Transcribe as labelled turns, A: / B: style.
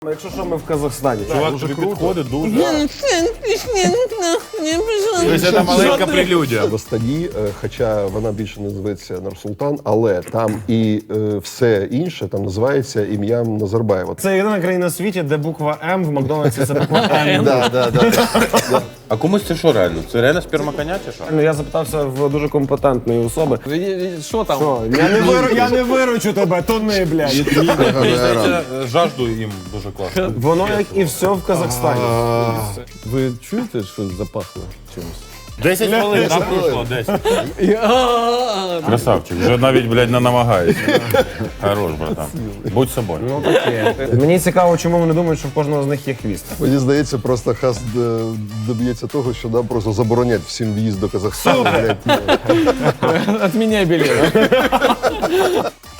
A: Якщо що, ми в Казахстані.
B: Чувак,
A: Дуже
B: тобі
A: круто.
B: підходить дуже. Тобто це маленька прелюдія.
C: В Астані, хоча вона більше не зветься Нур-Султан, але там і все інше там називається ім'ям Назарбаєва.
A: Це єдина країна в світі, де буква М в Макдональдсі це буква М.
B: А комусь це що реально? Це реально сперма коня чи що?
A: Я запитався в дуже компетентної особи.
D: Що там?
A: Що, я не виручу тебе, тони, блядь.
B: Мені здається, жажду їм дуже класно.
A: Воно як і все в Казахстані.
D: Ви чуєте, що запахло чимось?
B: 10 хвилин, так пройшло, 10. Красавчик, вже навіть, блядь, не намагається. Хорош, братан. Будь собою.
A: Ну таке. Мені цікаво, чому вони думають, що в кожного з них є хвіст.
C: Мені здається, просто Хас доб'ється того, що нам просто заборонять всім в'їзд до Казахстану. Блядь.
D: Отміняй білет.